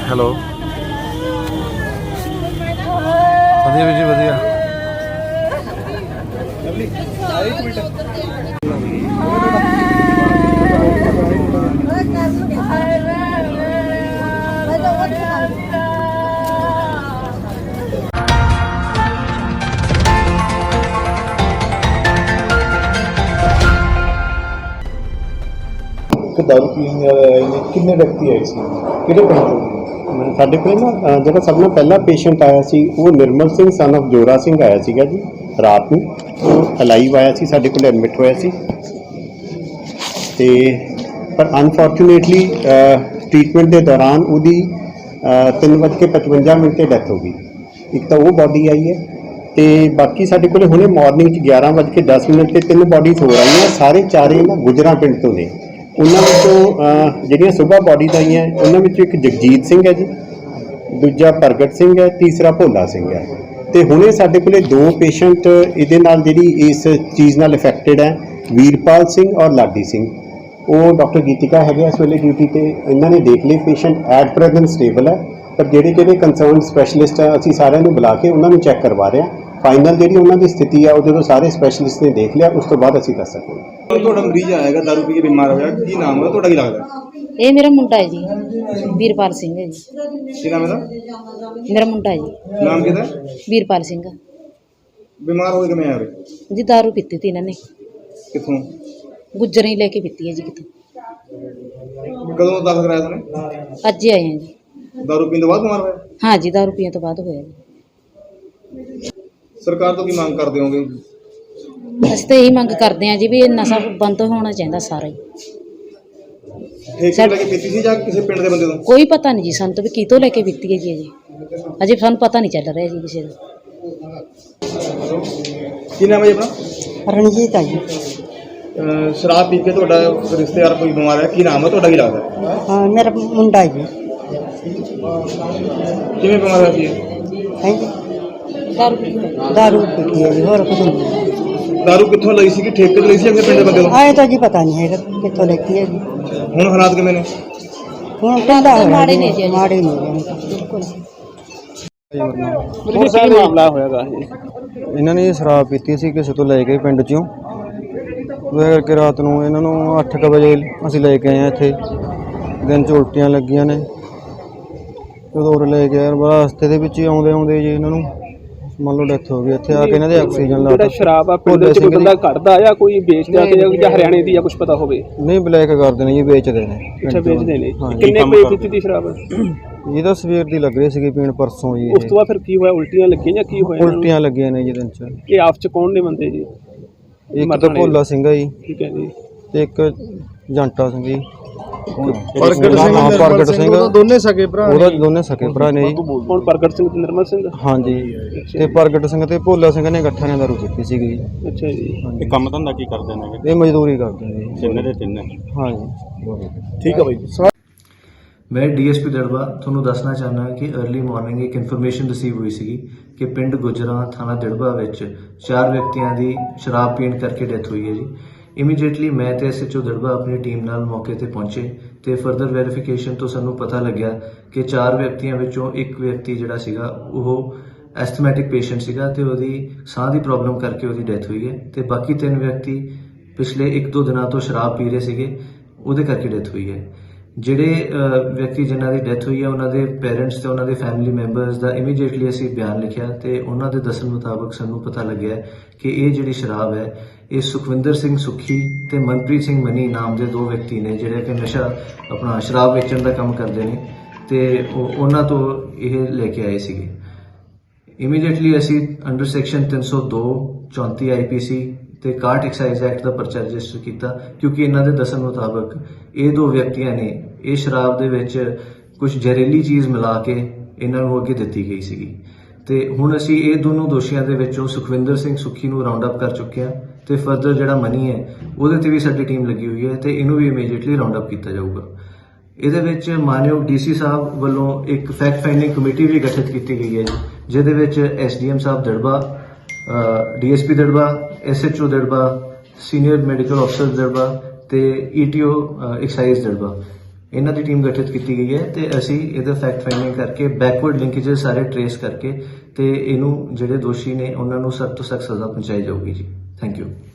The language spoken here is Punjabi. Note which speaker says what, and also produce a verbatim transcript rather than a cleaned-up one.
Speaker 1: ਹੈਲੋ ਵਧੀਆ ਵੀਰ ਜੀ ਵਧੀਆ।
Speaker 2: दारू पीने वाले आए किन्ने व्यक्ति आए सी किहड़े पिंड ਤੋਂ
Speaker 3: ਸਾਡੇ ਕੋਲ ਨਾ ਜਿਹੜਾ ਸਭ ਤੋਂ ਪਹਿਲਾ ਪੇਸ਼ੈਂਟ ਆਇਆ ਸੀ ਉਹ ਨਿਰਮਲ ਸਿੰਘ ਸਨ ਆਫ ਜੋਰਾ ਸਿੰਘ ਆਇਆ ਸੀਗਾ ਜੀ ਰਾਤ ਨੂੰ। ਉਹ ਅਲਾਈਵ ਆਇਆ ਸੀ, ਸਾਡੇ ਕੋਲ ਐਡਮਿਟ ਹੋਇਆ ਸੀ ਤੇ ਪਰ ਅਨਫੋਰਚੂਨੇਟਲੀ ਟ੍ਰੀਟਮੈਂਟ ਦੇ ਦੌਰਾਨ ਉਹਦੀ ਤਿੰਨ ਵੱਜ ਕੇ ਪਚਵੰਜਾ ਮਿੰਟ 'ਤੇ ਡੈਥ ਹੋ ਗਈ। ਇੱਕ ਤਾਂ ਉਹ ਬੋਡੀ ਆਈ ਹੈ ਤੇ ਬਾਕੀ ਸਾਡੇ ਕੋਲ ਹੁਣੇ ਮਾਰਨਿੰਗ 'ਚ ਗਿਆਰਾਂ ਵੱਜ ਕੇ ਦਸ ਮਿੰਟ 'ਤੇ ਤਿੰਨ ਬੋਡੀਜ਼ ਹੋ ਰਹੀਆਂ। ਸਾਰੇ ਚਾਰੇ ਨਾ ਗੁਜਰਾ ਪਿੰਡ ਤੋਂ ਨੇ। ਉਹਨਾਂ ਵਿੱਚੋਂ ਜਿਹੜੀਆਂ ਸੁਬਾਹ ਬੋਡੀਜ਼ ਆਈਆਂ ਉਹਨਾਂ ਵਿੱਚੋਂ ਇੱਕ ਜਗਜੀਤ ਸਿੰਘ ਹੈ ਜੀ, ਦੂਜਾ ਪ੍ਰਗਟ ਸਿੰਘ ਹੈ, ਤੀਸਰਾ ਭੋਲਾ ਸਿੰਘ ਹੈ। ਤੇ ਹੁਣੇ ਸਾਡੇ ਕੋਲੇ ਦੋ ਪੇਸ਼ੈਂਟ ਇਹਦੇ ਨਾਲ ਜਿਹੜੀ ਇਸ ਚੀਜ਼ ਨਾਲ ਇਫੈਕਟਡ ਹੈ, ਵੀਰਪਾਲ ਸਿੰਘ ਔਰ ਲਾਡੀ ਸਿੰਘ। ਉਹ ਡਾਕਟਰ ਗੀਤਿਕਾ ਹੈਗੇ ਇਸ ਵੇਲੇ ਡਿਊਟੀ ਤੇ। ਇਹਨਾਂ ਨੇ ਦੇਖ ਲਏ ਪੇਸ਼ੈਂਟ ਐਟ ਪ੍ਰੈਜ਼ੈਂਟ ਸਟੇਬਲ ਹੈ, ਪਰ ਜਿਹੜੇ ਜਿਹੜੇ ਕੰਸਰਨ ਸਪੈਸ਼ਲਿਸਟ ਆ ਅਸੀਂ ਸਾਰਿਆਂ ਨੂੰ ਬੁਲਾ ਕੇ ਉਹਨਾਂ ਨੂੰ ਚੈੱਕ ਕਰਵਾ ਰਹੇ ਹਾਂ। ਫਾਈਨਲ ਜਿਹੜੀ ਉਹਨਾਂ ਦੀ ਸਥਿਤੀ ਆ ਉਹ ਜਦੋਂ ਸਾਰੇ ਸਪੈਸ਼ਲਿਸਟ ਨੇ ਦੇਖ ਲਿਆ ਉਸ ਤੋਂ ਬਾਅਦ ਅਸੀਂ ਦੱਸ ਸਕਾਂਗੇ।
Speaker 2: ਤੁਹਾਡਾ ਮਰੀਜ਼ ਆਏਗਾ ਦਾਰੂ ਪੀ ਕੇ ਬਿਮਾਰ ਹੋਇਆ, ਕੀ ਨਾਮ ਹੈ ਤੁਹਾਡਾ, ਕੀ ਲੱਗਦਾ?
Speaker 4: ਇਹ ਮੇਰਾ ਮੁੰਡਾ ਹੈ ਜੀ, ਵੀਰਪਾਲ ਸਿੰਘ ਹੈ ਜੀ।
Speaker 2: ਕੀ ਨਾਮ ਇਹਦਾ?
Speaker 4: ਮੇਰਾ ਮੁੰਡਾ ਹੈ ਜੀ।
Speaker 2: ਨਾਮ ਕਿਹਦਾ?
Speaker 4: ਵੀਰਪਾਲ ਸਿੰਘ।
Speaker 2: ਬਿਮਾਰ ਹੋਏ ਕਿਵੇਂ ਆ ਰਹੇ
Speaker 4: ਜੀ ਦਾਰੂ ਪੀਤੀ ਤੀ ਇਹਨਾਂ ਨੇ।
Speaker 2: ਕਿੱਥੋਂ?
Speaker 4: ਗੁੱਜਰਾਂ ਹੀ ਲੈ ਕੇ ਪੀਤੀ ਹੈ ਜੀ ਕਿਤੋਂ।
Speaker 2: ਕਦੋਂ ਦਾਖਲ ਕਰਾਇਆ ਤੁਹਾਨੂੰ?
Speaker 4: ਅੱਜ ਹੀ ਆਏ ਹਾਂ ਜੀ।
Speaker 2: ਦਾਰੂ ਪੀਣ ਤੋਂ ਬਾਅਦ ਬਿਮਾਰ ਹੋਇਆ?
Speaker 4: ਹਾਂ ਜੀ, ਦਾਰੂ ਪੀਣ ਤੋਂ ਬਾਅਦ ਹੋਇਆ ਜੀ।
Speaker 2: ਸਰਕਾਰ ਤੋਂ ਕੀ ਮੰਗ ਕਰਦੇ ਹੋਗੇ?
Speaker 4: ਅਸੀਂ ਤਾਂ ਇਹੀ ਮੰਗ ਕਰਦੇ ਹਾਂ ਜੀ ਵੀ ਇਹ ਨਸ਼ਾ ਬੰਦ ਹੋਣਾ ਚਾਹੀਦਾ ਸਾਰਾ ਹੀ।
Speaker 2: ਠੇਕੇ ਲੈ ਕੇ ਪੀਤੀ ਸੀ ਜਾਂ ਕਿਸੇ ਪਿੰਡ ਦੇ ਬੰਦੇ ਤੋਂ?
Speaker 4: ਕੋਈ ਪਤਾ ਨਹੀਂ ਜੀ ਸਾਨੂੰ ਤਾਂ ਵੀ ਕਿਤੋਂ ਲੈ ਕੇ ਪੀਤੀ ਹੈ ਜੀ ਅਜੇ ਅਜੇ ਸਾਨੂੰ ਪਤਾ ਨਹੀਂ ਚੱਲ ਰਿਹਾ ਜੀ ਕਿਸੇ ਦਾ।
Speaker 2: ਕੀ ਨਾਮ ਹੈ ਜੀ ਆਪਣਾ?
Speaker 3: ਰਣਜੀਤ ਆ ਜੀ।
Speaker 2: ਸ਼ਰਾਬ ਪੀ ਕੇ ਤੁਹਾਡਾ ਰਿਸ਼ਤੇਦਾਰ ਕੋਈ ਬਿਮਾਰ ਹੈ, ਕੀ ਨਾਮ ਹੈ ਤੁਹਾਡਾ, ਕੀ ਲੱਗਦਾ?
Speaker 3: ਹਾਂ ਮੇਰਾ ਮੁੰਡਾ ਜੀ।
Speaker 2: ਕਿਵੇਂ ਬਿਮਾਰ ਹੋਇਆ ਸੀ?
Speaker 3: ਹੈ ਜੀ
Speaker 4: ਦਾਰੂ ਪੀਤੀ
Speaker 3: ਦਾਰੂ ਪੀਤੀ ਹੈ ਜੀ, ਹੋਰ ਕੁਝ ਨਹੀਂ।
Speaker 2: ਦਾਰੂ ਕਿੱਥੋਂ ਲਈ ਸੀ? ਠੇਕੇ ਤੋਂ ਲਈ ਸੀ ਜਾਂ ਕਿਸੇ ਪਿੰਡ ਦੇ ਬੰਦੇ ਤੋਂ?
Speaker 3: ਆਏ ਤਾਂ ਜੀ ਪਤਾ ਨਹੀਂ ਹੈਗਾ ਕਿੱਥੋਂ ਲੈਤੀ ਹੈ ਜੀ।
Speaker 2: ਹੁਣ ਹਾਲਾਤ ਕਿਵੇਂ ਨੇ?
Speaker 3: ਹੁਣ ਕਹਿੰਦਾ
Speaker 4: ਮਾੜੇ ਨੇ ਜੀ,
Speaker 3: ਮਾੜੇ ਨਹੀਂ
Speaker 4: ਬਿਲਕੁਲ।
Speaker 5: ਕੀ ਮਾਮਲਾ ਹੋਇਆਗਾ? ਇਹਨਾਂ ਨੇ ਸ਼ਰਾਬ ਪੀਤੀ ਸੀ ਕਿਸੇ ਤੋਂ ਲੈ ਕੇ ਪਿੰਡ ਚੋਂ। ਉਹਦੇ ਕਰਕੇ ਰਾਤ ਨੂੰ ਇਹਨਾਂ ਨੂੰ ਅੱਠ ਕੁ ਵਜੇ ਅਸੀਂ ਲੈ ਕੇ ਆਏ ਹਾਂ ਇੱਥੇ। ਦਿਨ 'ਚ ਉਲਟੀਆਂ ਲੱਗੀਆਂ ਨੇ, ਜਦੋਂ ਉਰੇ ਲੈ ਕੇ ਆਏ ਰਸਤੇ ਦੇ ਵਿੱਚ ਹੀ ਆਉਂਦੇ ਆਉਂਦੇ ਜੀ ਇਹਨਾਂ ਨੂੰ ਮੰਨ ਲਓ ਡੈਥ ਹੋ ਗਈ। ਇੱਥੇ ਆ ਕੇ ਇਹਨਾਂ ਦੇ ਆਕਸੀਜਨ ਲਾ
Speaker 6: ਜਿਹੜਾ ਸ਼ਰਾਬ ਆ ਪਿੰਡ ਵਿੱਚ ਕੋਈ ਬੰਦਾ ਕੱਢਦਾ ਜਾਂ ਕੋਈ ਵੇਚਦਾ ਤੇ ਜਾਂ ਹਰਿਆਣੇ ਦੀ ਜਾਂ ਕੁਝ ਪਤਾ ਹੋਵੇ?
Speaker 5: ਨਹੀਂ, ਬਲੈਕ ਕਰਦੇ ਨੇ ਜੀ, ਵੇਚਦੇ ਨੇ।
Speaker 6: ਅੱਛਾ, ਵੇਚਦੇ ਨੇ। ਕਿੰਨੇ ਰੁਪਏ ਪੀਤੀ ਦੀ ਸ਼ਰਾਬ?
Speaker 5: ਇਹ ਤਾਂ ਸਵੇਰ ਦੀ ਲੱਗ ਰਹੀ ਸੀਗੀ ਪੀਣ, ਪਰਸੋਂ ਜੀ।
Speaker 6: ਉਸ ਤੋਂ ਬਾਅਦ ਫਿਰ ਕੀ ਹੋਇਆ? ਉਲਟੀਆਂ ਲੱਗੀਆਂ ਜਾਂ ਕੀ ਹੋਇਆ?
Speaker 5: ਉਲਟੀਆਂ ਲੱਗੀਆਂ ਨੇ ਜੀ ਦਿਨ 'ਚ।
Speaker 6: ਇਹ ਆਪਸ 'ਚ ਕੌਣ ਨੇ ਬੰਦੇ ਜੀ?
Speaker 5: ਇੱਕ ਤਾਂ ਭੋਲਾ ਸਿੰਘ ਆ ਜੀ,
Speaker 6: ਠੀਕ ਹੈ ਜੀ,
Speaker 5: ਤੇ ਇੱਕ ਜੰਟਾ ਸਿੰਘ ਜੀ।
Speaker 2: ਪ੍ਰਗਟ ਸਿੰਘ
Speaker 5: ਪ੍ਰਗਟ ਸਿੰਘ
Speaker 2: ਦੋਨੇ ਸਕੇ ਭਰਾ
Speaker 5: ਉਹਦਾ ਦੋਨੇ ਸਕੇ ਭਰਾ ਨੇ ਜੀ।
Speaker 6: ਹੁਣ ਪ੍ਰਗਟ ਸਿੰਘ ਤੇ ਨਿਰਮਲ ਸਿੰਘ?
Speaker 5: ਹਾਂਜੀ, ਤੇ ਪ੍ਰਗਟ ਸਿੰਘ ਤੇ ਭੋਲਾ ਸਿੰਘ ਨੇ ਇਕੱਠਿਆਂ ਨੇ ਦਾਰੂ ਪੀਤੀ ਸੀਗੀ ਜੀ।
Speaker 6: ਅੱਛਾ ਜੀ।
Speaker 5: ਇਹ
Speaker 7: ਕੰਮ ਧੰਦਾ ਕੀ ਕਰਦੇ ਨੇ?
Speaker 5: ਇਹ ਮਜ਼ਦੂਰੀ ਕਰਦੇ ਨੇ ਜੀ
Speaker 7: ਤਿੰਨੇ ਦੇ ਤਿੰਨੇ।
Speaker 5: ਹਾਂਜੀ,
Speaker 2: ਠੀਕ ਹੈ ਬਾਈ।
Speaker 8: मैं डीएसपी दड़बा ਤੁਹਾਨੂੰ ਦੱਸਣਾ ਚਾਹੁੰਦਾ ਹਾਂ ਕਿ अर्ਲੀ ਮਾਰਨਿੰਗ ਇੱਕ ਇਨਫੋਰਮੇਸ਼ਨ ਰਿਸੀਵ ਹੋਈ ਸੀ ਕਿ ਪਿੰਡ ਗੁਜਰਾ ਥਾਣਾ ਦੜਬਾ ਵਿੱਚ ਚਾਰ ਵਿਅਕਤੀਆਂ ਦੀ ਸ਼ਰਾਬ ਪੀਣ ਕਰਕੇ ਡੈਥ ਹੋਈ ਹੈ ਜੀ। ਇਮੀਡੀਏਟਲੀ ਮੈਂ ਤੇ ਐਸਐਚਓ ਦੜਬਾ ਆਪਣੀ ਟੀਮ ਨਾਲ ਮੌਕੇ ਤੇ ਪਹੁੰਚੇ ਤੇ ਫਰਦਰ ਵੈਰੀਫਿਕੇਸ਼ਨ ਤੋਂ ਸਾਨੂੰ ਪਤਾ ਲੱਗਿਆ ਕਿ ਚਾਰ ਵਿਅਕਤੀਆਂ ਵਿੱਚੋਂ ਇੱਕ ਵਿਅਕਤੀ ਜਿਹੜਾ ਸੀਗਾ ਉਹ ਐਸਥਮੈਟਿਕ ਪੇਸ਼ੈਂਟ ਸੀਗਾ ਤੇ ਉਹਦੀ ਸਾਹ ਦੀ ਪ੍ਰੋਬਲਮ ਕਰਕੇ ਉਹਦੀ ਡੈਥ ਹੋਈ ਹੈ ਤੇ ਬਾਕੀ ਤਿੰਨ ਵਿਅਕਤੀ ਪਿਛਲੇ ਇੱਕ ਦੋ ਦਿਨਾਂ ਤੋਂ ਸ਼ਰਾਬ ਪੀ ਰਹੇ ਸੀਗੇ, ਉਹਦੇ ਕਰਕੇ ਡੈਥ ਹੋਈ ਹੈ। ਜਿਹੜੇ ਵਿਅਕਤੀ ਜਿਨ੍ਹਾਂ ਦੀ ਡੈਥ ਹੋਈ ਹੈ ਉਹਨਾਂ ਦੇ ਪੇਰੈਂਟਸ ਤੇ ਉਹਨਾਂ ਦੇ ਫੈਮਿਲੀ ਮੈਂਬਰਸ ਦਾ ਇਮੀਡੀਏਟਲੀ ਅਸੀਂ ਬਿਆਨ ਲਿਖਿਆ ਤੇ ਉਹਨਾਂ ਦੇ ਦੱਸਣ ਮੁਤਾਬਕ ਸਾਨੂੰ ਪਤਾ ਲੱਗਿਆ ਕਿ ਇਹ ਜਿਹੜੀ ਸ਼ਰਾਬ ਹੈ ਇਹ ਸੁਖਵਿੰਦਰ ਸਿੰਘ ਸੁੱਖੀ ਤੇ ਮਨਪ੍ਰੀਤ ਸਿੰਘ ਮਨੀ ਨਾਮ ਦੇ ਦੋ ਵਿਅਕਤੀ ਨੇ ਜਿਹੜੇ ਕਿ ਨਸ਼ਾ ਆਪਣਾ ਸ਼ਰਾਬ ਵੇਚਣ ਦਾ ਕੰਮ ਕਰਦੇ ਨੇ ਤੇ ਉਹਨਾਂ ਤੋਂ ਇਹ ਲੈ ਕੇ ਆਏ ਸੀਗੇ। ਇਮੀਡੀਏਟਲੀ ਅਸੀਂ ਅੰਡਰ ਸੈਕਸ਼ਨ ਤਿੰਨ ਸੌ ਦੋ ਚੌਂਤੀ ਆਈਪੀਸੀ ਤੇ ਇਕਾਹਠ ਐਕਸਾਈਜ਼ ਐਕਟ ਦਾ ਪਰਚਾ ਰਜਿਸਟਰ ਕੀਤਾ ਕਿਉਂਕਿ ਇਹਨਾਂ ਦੇ ਦੱਸਣ ਮੁਤਾਬਕ ਇਹ ਦੋ ਵਿਅਕਤੀਆਂ ਨੇ ਇਹ ਸ਼ਰਾਬ ਦੇ ਵਿੱਚ ਕੁਝ ਜ਼ਹਿਰੀਲੀ ਚੀਜ਼ ਮਿਲਾ ਕੇ ਇਹਨਾਂ ਨੂੰ ਅੱਗੇ ਦਿੱਤੀ ਗਈ ਸੀਗੀ ਤੇ ਹੁਣ ਅਸੀਂ ਇਹ ਦੋਨੋਂ ਦੋਸ਼ੀਆਂ ਦੇ ਵਿੱਚੋਂ ਸੁਖਵਿੰਦਰ ਸਿੰਘ ਸੁੱਖੀ ਨੂੰ ਰਾਉਂਡ ਅਪ ਕਰ ਚੁੱਕੇ ਹਾਂ ਤੇ ਫਰਦਰ ਜਿਹੜਾ ਮਨੀ ਹੈ ਉਹਦੇ ਤੇ ਵੀ ਸਾਡੀ ਟੀਮ ਲੱਗੀ ਹੋਈ ਹੈ ਤੇ ਇਹਨੂੰ ਵੀ ਇਮੀਡੀਏਟਲੀ ਰਾਉਂਡ ਅਪ ਕੀਤਾ ਜਾਊਗਾ। ਇਹਦੇ ਵਿੱਚ ਮਾਨਯੋਗ ਡੀਸੀ ਸਾਹਿਬ ਵੱਲੋਂ ਇੱਕ ਫੈਕਟ ਫਾਈਂਡਿੰਗ ਕਮੇਟੀ ਵੀ ਗਠਿਤ ਕੀਤੀ ਗਈ ਹੈ ਜਿਹਦੇ ਵਿੱਚ ਐਸਡੀਐਮ ਸਾਹਿਬ Dirba, DSP Dirba, SHO Dirba, senior medical ਅਫਸਰ ਦੜਬਾ ਤੇ ਈਟੀਓ ਐਕਸਾਈਜ਼ ਦੜਬਾ ਇਹਨਾਂ ਦੀ ਟੀਮ ਗਠਿਤ ਕੀਤੀ ਗਈ ਹੈ ਤੇ ਅਸੀਂ ਇਹਦਾ ਫੈਕਟ ਫਾਈਂਡਿੰਗ ਕਰਕੇ ਬੈਕਵਰਡ ਲਿੰਕੇजेस ਸਾਰੇ ਟਰੇਸ ਕਰਕੇ ਤੇ ਇਹਨੂੰ ਜਿਹੜੇ ਦੋਸ਼ੀ ਨੇ ਉਹਨਾਂ ਨੂੰ ਸਖਤ ਤੋਂ ਸਖਤ ਸਜ਼ਾ ਪਹੁੰਚਾਈ ਜਾਊਗੀ ਜੀ। Thank you.